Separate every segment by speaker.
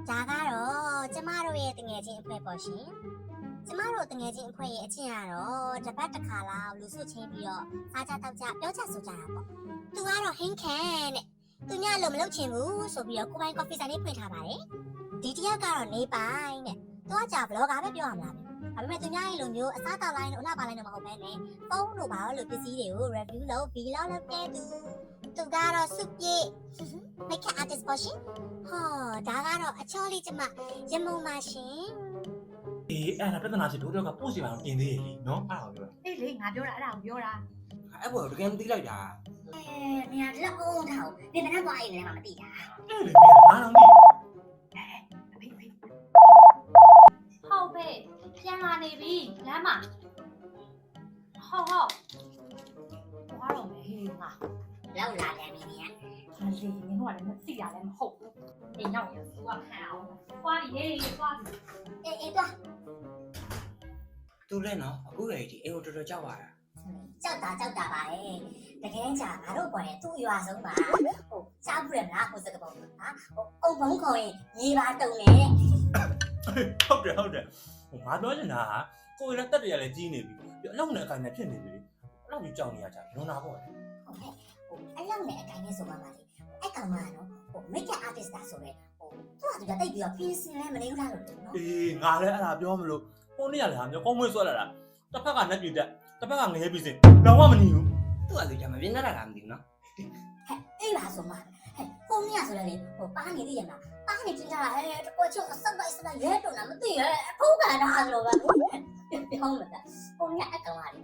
Speaker 1: ဒါကတော့ကျမတို့ရဲ့တငယ်ချင်းအဖွဲ့ပေါ့ရှင်ကျမတို့တငယ်ချင်းအဖွဲ့ရဲ့အချင်းကတော့တစ်ပတ်တစ်ခါလောက်လူစုချင်းပြီးတော့စားကြတောက်ကြပြောကြဆိုကြတာပေါ့သူကတော့ဟင်းခန့်တဲ့သူညလို့မလုပ်ချင်ဘူးဆိုပြီးတော့ကိုပိုင်ကော်ဖီဆိုင်လေးဖွင့်ထားပါတယ်ဒီတယောက်ကတော့နေပိုင်းတဲ့သူကကြာဘလော့ဂါပဲပြောရမလားဒါပေမဲ့သူများရဲ့လိုမျိုးအစားတောက်လိုက်လို့အလှပါလိုက်တော့မဟုတ်ဘဲနဲ့ဖုန်းတို့ဘာလို့ပစ္စည်းတွေကို review လုပ် vlog လုပ်တဲ့သူကတော့စုပြည့် makeup artist ပေါ့ရှင်ဟောဒါကတော့အချောလေးကျမရမုံပါရှင်
Speaker 2: အေးအဲ့ဒါပြဿနာချင်းတို့တော့ကပို့စီပါတော့ပြင်သေးရဲ့လीနော်အဲ့ဒါကိုပြောတာ
Speaker 3: အေးလေငါပြောတာအဲ့ဒါကိုပြောတာ
Speaker 4: အဲ့ဘောတကယ်မသိလိုက်တာ
Speaker 1: နေရာလက်အောင်ထားနေမနှက်သွားအိမ်လည်းမသိတာ
Speaker 2: အဲ့လေမင်းငါတော့သိ
Speaker 3: အဖေဟုတ်ပဲပြန်လာနေပြီလမ်းမှာဟုတ်ဘာတော့မဟေးငါ
Speaker 1: လောက်လာတယ်မင်းကြီး
Speaker 3: မလီမင်းတို့ကလည်းမသိရလည်းမဟုတ်ဘူးအိမ်ရောက်ရင်သူကခံအောင်သွားပြီဟေးသွားပြီ
Speaker 1: အေးသွား
Speaker 4: သူလည်းနော်အခုလေဒီအိမ်ကိုတော်တော်ကြောက်ပါတာ
Speaker 1: ကြောက်တာပါလေတကယ်ကြာငါတို့ပေါ်တယ်သူ့ရွာဆုံးပါဟိုစားဘူးရမလားဟိုစကပုံဟာဟိုအုံဘုံခေါ်ရင်ရေပါတုံနေ
Speaker 2: ဟုတ်တယ်ဟိုငါပြောချင်တာကကိုယ်လည်းတက်တယ်ရလည်းကြီးနေပြီပြီးအလောက်နဲ့အကိုင်နဲ့ဖြစ်နေပြီလေအဲ့လောက်ကြီးကြောက်နေရကြလွန်တာပေါ့လေ
Speaker 1: ဟုတ်ကဲ့ဟိုအလောက်နဲ့အကိုင်နဲ့ဆိုပါပါလေအဲ့ကောင်မနော်ဟို makeup artist တာဆိုရဲဟိုသူကတိတ်ပြီးတော့ piercing လည်းမနေဘူးလားလို့နော်
Speaker 2: အေးငါလည်းအဲ့ဒါပြောမလို့ဟိုနေ့ကလည်းဟာမျိုးကောင်းမွေးဆွဲလာတာတစ်ဖက်ကနှက်ပြတက်တစ်ဖက်ကငရဲပြီးစင်တော့မညီဘူး
Speaker 4: သူကလည်းကြမပြင်းတတ်တာမသိဘူးနော်
Speaker 1: အေးပါဆိုမှဟိုနေ့ကဆိုလည်းဟိုပါနေသေးရမလားပါနေကြတာတကွချုံအစက်လိုက်ရဲတော့မသိရဲအဖိုးကန်တာဆိုတော့ပြောမှာဟိုနေ့အကောင်ပါလေ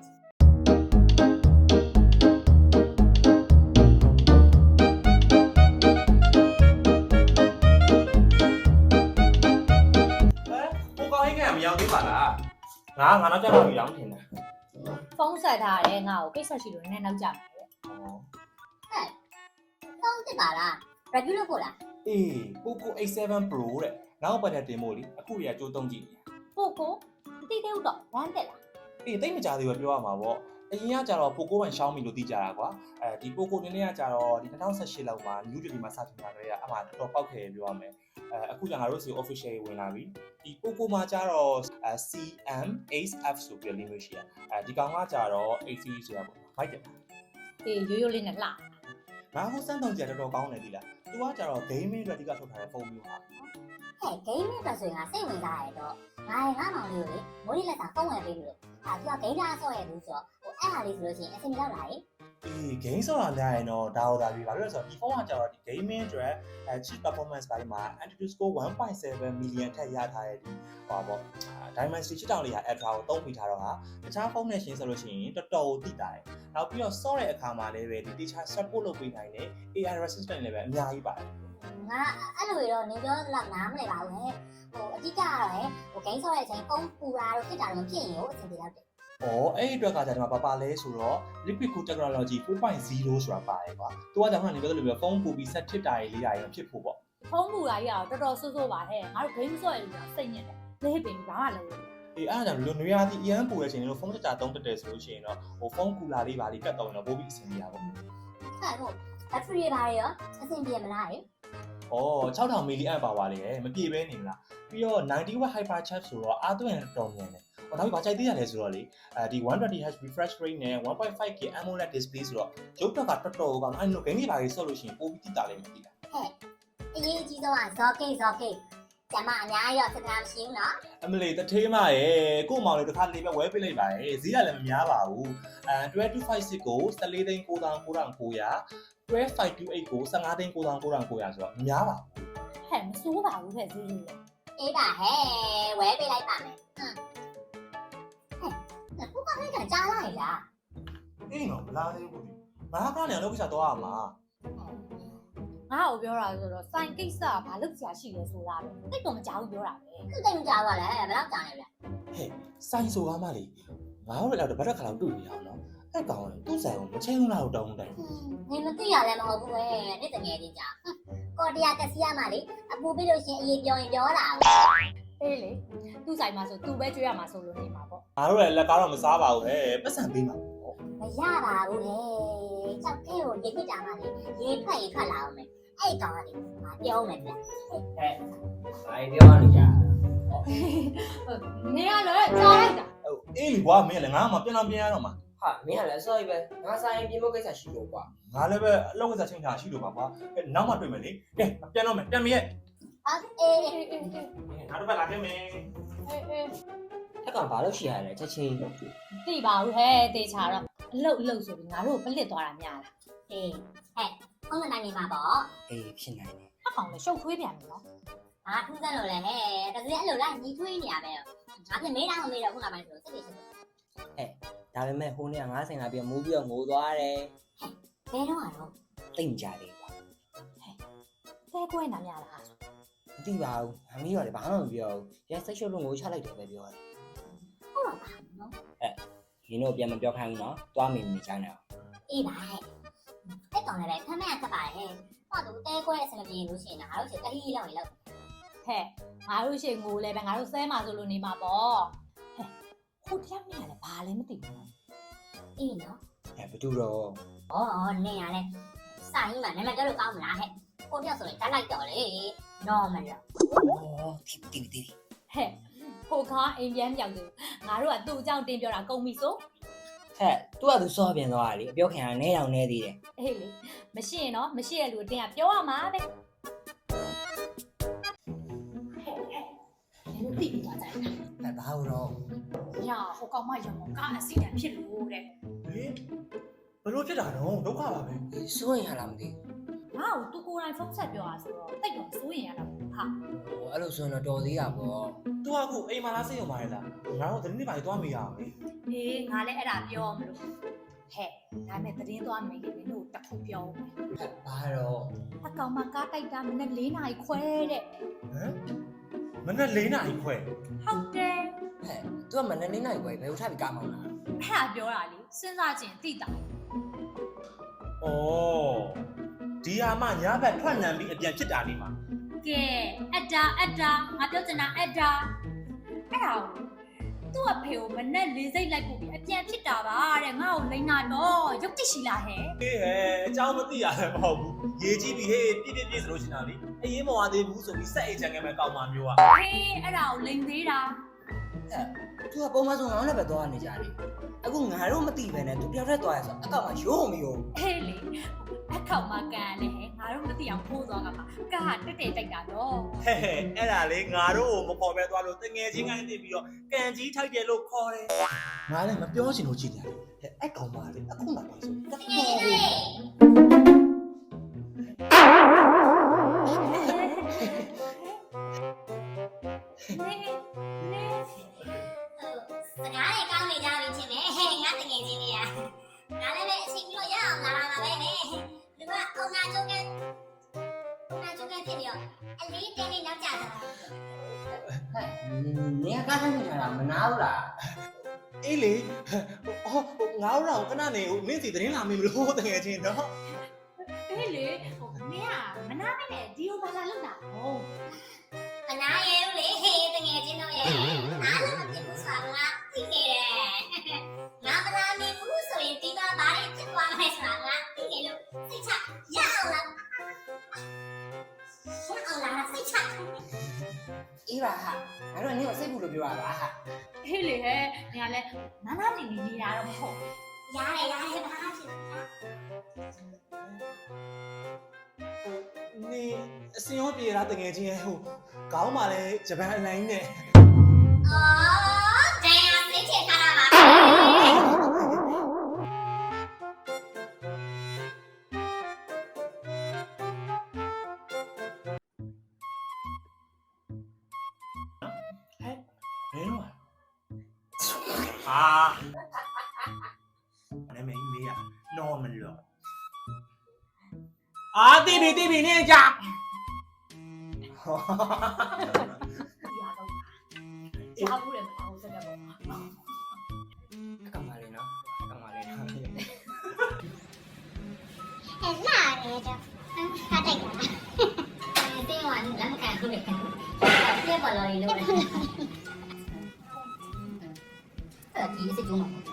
Speaker 4: မရောက်သေးပါလား
Speaker 2: ငါတော့ကြောက်လို့ရောင်းတင်တယ်
Speaker 3: ဖုန်းဆက်ထားတယ်ငါ့ကိုကိစ္စရှိလို့နည်းနည်းနောက်ကြမယ်တဲ့
Speaker 1: ဖုန်းတက်ပါလား review လုပ်ဖို့လား
Speaker 2: အေး Poco A7 Pro တဲ့နောက်ပတ်တဲ့တင်ဖို့လေအခုရကြိုးတုံးကြည့်နေ
Speaker 3: Poco တိတိဦးတော့ဝမ်းတက်လား
Speaker 2: အေးတိတ်မကြသေးဘူးပြောရမှာပေါ့အရင်ကကြတော့ Poco ပိုင် Xiaomi လို့သိကြတာကွာဒီ Poco နည်းနည်းကကြတော့ဒီ2018လောက်မှာ New Delhi မှာစတင်လာကြတဲ့အမှတော်တော်ပောက်ခဲ့ပြောရမယ်အခုကျငါတို့စီ official ဝင်လာပြီဒီ Poco မှာကြတော့ CM8F ဆိုပြီး limit ရှိရဒီကောင်ကကြတော့ AC ဆိုတာပေါ့မိုက်တယ်
Speaker 3: အေးရိုးရိုးလေးနဲ့လှ
Speaker 2: ငါဟိုစမ်းတောင်ကြတော်တော်ကောင်းတယ်ဒီလားသူကကြတော့ gaming အတွက်ဒီကထုတ်ထားတဲ့ဖုန်းမျိုးဟာ
Speaker 1: ဟဲ့ gaming အတွက်ဆိုရင်ငါစိတ်ဝင်စားရတော့ငါမောင်လေးကိုလေမိုးလေးလက်စာဖုန်းဝယ်ပေးပြီးလို့သူက game သားဆော့ရဘူးဆိုတော့ဟိုအဲ့ဟာလေးဆိုလို့ရှိရင်အဆင်ပြေတော့လား
Speaker 2: အေး game ဆိုတာများရင်တော့ဒါဟုတ်တာပြီဘာလို့လဲဆိုတော့ဒီဖုန်းကကြတော့ဒီ gaming အတွက်cheap performance ပိုင်းမှာ Antutu Score 1.7 million ထက်ရထားတဲ့ဒီဟောပေါ့ Dimensity 6000လေးဟာ Ultra ကိုသုံးပြီးထားတော့ဟာတခြားဖုန်းနဲ့ရှင်းဆိုလို့ရှိရင်တော်တော်သိတာတယ်နောက်ပြီးတော့ ဆော့တဲ့အခါမှာလည်းပဲဒီ teacher support လုပ်ပေးနိုင်တဲ့ AI assistant လည်းပဲအများကြီးပါတယ်
Speaker 1: ငါအဲ့လိုတော့နေပြောလောက်နားမလဲပါဘူးဟဲ့ဟိုအတိကကတော့ဟို game ဆော့တဲ့အချိန်ဖုန်းပူတာတော့ဖြစ်တာတော့မဖြစ်ရင်ရောအဆင်ပြေတော့တယ်
Speaker 2: အဲ့ဒီအတွက်ကကြာဒီမှာပါလဲဆိုတော့ Liquid Cool Technology 4.0 ဆိုတာပါတယ်ကွာ။သူကကြောင့်ကနေပြောလို့ပြောဖုန်းပူပြီးဆက်ထစ်တာရေးလေးတာရောဖြစ်ဖို့ပေါ့
Speaker 3: ။ဖုန်းပူတာကြီးကတော့တော်တော်ဆိုးဆိုးပါဟဲ့။ငါတို့ game ဆော့ရလို့စိတ်ညစ်တယ်။လေးပင်ဘာမှလုပ်လို့
Speaker 2: အေးအဲ့ဒါကြောင့်လူနွေရာသီအရန်ပူတဲ့အချိန်လို့ဖုန်းကြတုံးတက်တယ်ဆိုလို့ရှိရင်တော့ဟိုဖုန်းကူလာလေးပါလေးကတ်တော့ရင်တော့ပိုးပြီးအဆင်ပြေတာပေါ့
Speaker 1: ။ဟုတ်ဟုတ် battery တွေပါရောအဆင်ပြေမလား
Speaker 2: ။6000 mAh လေးရယ်မပြည့်ဘဲနေလား။ပြီးတော့90W hyper charge ဆိုတော့အားသွင်းတော်မြန်တယ်။နောက်ပြီးဘာကြိုက်သေးရလဲဆိုတော့လေဒီ 120Hz refresh rate နဲ့ 1.5K AMOLED display ဆိုတော့ရုပ်ဘက်ကတော်တော်ကောင်းအဲ့လို game တွေပါကြီးဆော့လို့ရှိရင်ပိုပြီးတိတာလေးမသိတာ
Speaker 1: ဟဲ့အရေးကြီးဆုံးက Zoke ကျမအများကြီးတော့စကားမရှိဘူးနော်
Speaker 2: အမလီတထေးမရဲ့ကို့မောင်လေးတစ်ခါလေးပဲဝဲပေးလိုက်ပါရဲ့ဈေးကလည်းမများပါဘူး12256ကို14,99,900 12528ကို15,99,900ဆိုတော့မများပါဘူး
Speaker 3: ဟဲ့မစိုးပါဘူးခဲ့ဈေးလေး
Speaker 1: အေးပါဟဲ့ဝဲပေးလိုက်ပါမယ်ဘုကခိုင်းတာကြားလိုက်လား
Speaker 2: အေးနော်မလားသေးဘူးဘာကနေလောက်ကြတော့ရမှာ
Speaker 3: ငါ့ကိုပြောတာဆိုတော့စိုင်ကိစ္စကဘာလုပ်ကြရှိလဲဆိုတာပဲတိတ်တော့မကြောက်ဘူးပြောတာပဲ
Speaker 1: သူတိတ်မကြောက်ပါလဲဘယ်တော့ကြောက်လဲဗျ
Speaker 2: ဟဲ့စိုင်ဆိုကားမလေးငါတို့လည်းတော့ဗတ်တက်ခါလောက်တွေ့နေအောင်နော်အဲ့ကောင်သူ့ဆိုင်ကိုမချင်းလားတော့တောင်းတယ်
Speaker 1: နေမသိရလဲမဟုတ်ဘူးပဲနေ့တငယ်လေးကြာကော်တရာကစီရမှာလေအပူပြီးလို့ရှင်အေးပြောရင်ပြောတာ
Speaker 3: အေးလေသူ့ဆိုင်မှာဆိုသူပဲကြွေးရမှာဆိုလို့နေမှာပေါ့
Speaker 2: ငါတို့လည်းလက်ကားတော့မစားပါဘူးဟဲ့ပတ်စံပေးမှာ
Speaker 1: မရပါဘူးလေကြောက်ခဲကိုရေခစ်တာမှလေရေထွက်ရင်ထွက်လာအောင်မယ်အဲ့ကောင်ကလေငါပြောမယ်ဗျ
Speaker 4: ဟဲ့ပြောနေကြ
Speaker 3: နေရလဲကြားလိုက်တာ
Speaker 2: ဟိုအေးလီကွာမင်းလည်းငါမှပြန်ရတော့မှာ
Speaker 4: ဟာမင်းကလည်းအစောကြီးပဲငါဆိုင်ပြင်ဖို့ကိစ္စရှိလို့ကွာ
Speaker 2: ငါလည်းပဲအလောက်ကစားချင်းထားရှိလို့ပါကွာနောက်မှတွေ့မယ်လေကဲပြန်တော့မယ်ပြန်မရဲ့
Speaker 1: အေး
Speaker 2: ငါတို့ပဲလာခဲ့မယ်
Speaker 4: အဲ့ကောင်ဘာလို့ရှိရလဲချက်ချင်း
Speaker 3: သိပါဘူးဟဲ့တေချာတော့အလုတ်ဆိုပြီးငါတို့ပလစ်သွားတာများလား
Speaker 1: အေးဟဲ့ဟုတ်တယ်နိုင်နေမှာပေါ့
Speaker 4: အေးဖြစ်နိုင်တယ်
Speaker 3: အကောင်လည်းရှုပ်ထွေးပြန်ပြီနော်
Speaker 1: ဟာထူးစမ်းလို့လဲဟဲ့တကယ်အဲ့လိုလိုက်ညီထွေးနေရပဲငါပြင်မေးတာမမေးတော့ခုနကပိုင်းဆိုစိတ်တွေ
Speaker 4: ဒါပေမဲ့ဟိုနေ့ကငါဆိုင်လာပြီးမူးပြီးတော့ငိုသွားတယ်
Speaker 1: ဘယ်တော့ကတော့
Speaker 4: တိတ်မကြသေးကွာ
Speaker 3: တဲကွဲနာများလား
Speaker 4: မသိပါဘူးအမီးတော့လည်းဘာမှမပြောဘူးရဲစိတ်ရှုပ်လို့ငိုချလိုက်တယ်ပဲပြောတယ်
Speaker 1: ဟုတ်ပါနော်
Speaker 4: ဒီတော့ပြန်မပြောခိုင်းဘူးနော်တွားမိနေကြတယ်
Speaker 1: အေးပါဟဲ့အဲ့ကောင်လည်းပဲခမရကပ်ပါရဲ့ဟောသူတဲခွဲအစမပြေလို့ရှိရင်ငါတို့ချစ်တဟီးလောက်ရင်လောက်
Speaker 3: ဟဲ့ငါတို့ရှိငိုလဲပဲငါတို့ဆဲမှာဆိုလို့နေမှာပေါ့ဟဲ့ဟိုတရားမရလဲဘာလဲမသိဘူး
Speaker 1: အေးနော်
Speaker 4: ဘယ်သူတော့
Speaker 1: ဩနင်ရလဲစာရင်းမှာနာမည်ကြောက်လို့ကောင်းမလားဟဲ့ကိုပြောဆိုရင်တက်လိုက်တော့လေနော်မလား
Speaker 4: အော်တီတီ
Speaker 3: ဟဲ့ဟိုကားအိမ်ပြန်ပြောက်တယ်ငါတို့ကသူ့အကြောင်းတင်ပြောတာကုန်ပြီဆို
Speaker 4: ဟဲ့သူကသူစောပြန်သွားတာလေအပြောခင်ကနဲတောင်နဲသေးတယ်
Speaker 3: အေးလေမရှိရင်တော့မရှိရလူအတင်းကပြောရမှာပဲဟဲ့လူတိပြီးသွားကြတယ်
Speaker 4: ဟဲ့ဘာလို့တော့
Speaker 3: ညာဟိုကောင်မရမောကားအစီအတန်ဖြစ်လို့တဲ့
Speaker 2: ဟေးဘလို့ဖြစ်တာတော့ဒုက္ခပါပဲ
Speaker 4: စိုးရင်ဟာလားမသိ
Speaker 3: ငါ့ကိုသူကိုယ်တိုင်ဖုန်းဆက်ပြောတာဆိုတော့တိတ်တော့စိုးရင်ရတာပေါ့ဟာ
Speaker 4: ဘူးအဲ့လိုဆိုရင်တော့တော်သေးတာပေါ့
Speaker 2: သူကအခုအိမ်မှာလားစိတ်ရုံပါလေလားငါတို့တနေ့ပိုင်းသွားမိရအောင်လေ
Speaker 3: အေးငါလည်းအဲ့ဒါပြောမလို့ဟဲ့ဒါမဲ့သတင်းသွားမယ်ခင်ဗျတို့တခုပြောမယ်
Speaker 4: ဟဲ့ဘာတော့
Speaker 3: အကောင်မကားတိုက်တာမနေ့4နာရီခွဲတဲ့
Speaker 2: ဟမ်မနေ့4နာရီခွဲ
Speaker 3: ဟုတ်တယ်
Speaker 4: ဟဲ့သူကမနေ့နိုင်ခွဲဘယ်လိုထပ်ပြီးကားမောင်းလာ
Speaker 3: အဲ့ဒါပြောတာလေစဉ်းစားကြည့်သိတာ
Speaker 2: ဩဒီဟာမှညာဘက်ထွက်နံပြီးအပြန်ဖြစ်တာနေမှာ
Speaker 3: ကဲအတာငါပြောချင်တာအတာအဲ့ဒါသူ့အဖေကိုမနဲ့လေးစိတ်လိုက်ပို့ပြီးအပြန်ဖြစ်တာပါတဲ့ငါ့ကိုလိန်နာတော့ရုပ်တိရှိလားဟဲ့
Speaker 2: ဟေးဟဲ့အเจ้าမသိရတယ်မဟုတ်ဘူးရေကြီးပြီဟေးပြည့်ဆိုလို့ရှင်တာလေအရင်မဝသေးဘူးဆိုပြီးစက်အိတ်ချန်ကဲမဲ့ကောက်မှမျိုးอ่ะ
Speaker 3: ဟေးအဲ့ဒါကိုလိန်သေးတာ
Speaker 4: သူကပုံမှန်ဆိုငါလည်းပဲသွားနေကြတယ်အခုငါတို့မသိပဲနဲ့သူတယောက်တည်းသွားရဆိုအကောက်မှရိုးမရိုး
Speaker 3: ဟေးလေအခေါက်မကန်လေငါတို့မသိအောင်ဖိုးသွားကမှာကားတက်တိုက်တာတော့
Speaker 2: ဟဲ့အဲ့ဒါလေငါတို့ကိုမခေါ်ပဲသွားလို့တငယ်ချင်းကနေပြီးတော့ကန်ကြီးထိုက်တယ်လို့ခေါ်တယ်ငါလည်းမပြောချင်လို့ကြည့်တယ်ဟဲ့အဲ့ကောင်မလေးအခုမှတိုင်ဆိုတ
Speaker 1: တကယ်လေ စကားတွေကောင်းနေကြပြီချင်းပဲဟဲ့ငါတကယ်ချင်းတွေကငါလည်းပဲအချိန်ပြီးတော့ရအောင်လာတာပဲဟဲ့လူကအုံနာကျုံကဖြစ်ပြီးတော့အလေးတင်းလေးနောက်ကျတာ
Speaker 4: ဟဲ့နေကကားထိုင်နေတာမနာဘူးလား
Speaker 2: အေးလေဟောငါတို့တော့ခဏနေမင်းစီသတင်းလာမင်းမလို့တငယ်ချင်းတော့
Speaker 3: ဟေးလေဟိုမင်းကမနာไม่နဲ့ဒီကိုဘာလာလောက်တာဟုတ်
Speaker 1: မနာရဲဘူးလေဟေးတကယ်ချင်းတို့ရဲ့အားလုံးမဖြစ်ဘူးဆိုတာငါသိနေတယ်ငါမနာမင်းဘူးဆိုရင်ဒီမှာဘာတွေဖြစ်သွားမလဲဆိုတာငါသိနေလို့စိတ်ချရအောင်လားစိတ်ချ
Speaker 4: အေးပါဟာငါတို့ကနေကိုစိတ်ဘူးလို့ပြောရတာဟာ
Speaker 3: ဟေးလေဟဲ့နေရာလဲနာနာနေနေတာတော့မဟုတ်
Speaker 1: ရတယ်ဘာဖြစ်လဲ
Speaker 2: နေအစင်ရောပြေတာတငယ်ချင်းရဲ့ဟိုကောင်းပါလေဂျပန်အလိုင်းနဲ့
Speaker 1: အော်တရားစိတ်ချထားတာပါ
Speaker 2: မင်းတို့ဟာနာမည်ကြီးမေးရ normal လို့အာတိပြီနေကြ
Speaker 3: ဒီကတော့ကြားဘူးတယ်မအောင်စက်တော့
Speaker 4: အကောင်မလေးနော်အကောင်မလေးနော်
Speaker 1: အဲ့လာနေတော့ခါတိုက်တာတင်းဝါလက်မကန်ဘူးလေပြက်ပေါ်လာလို့လေအဲ့ဒီစိတ်ကြုံမှာ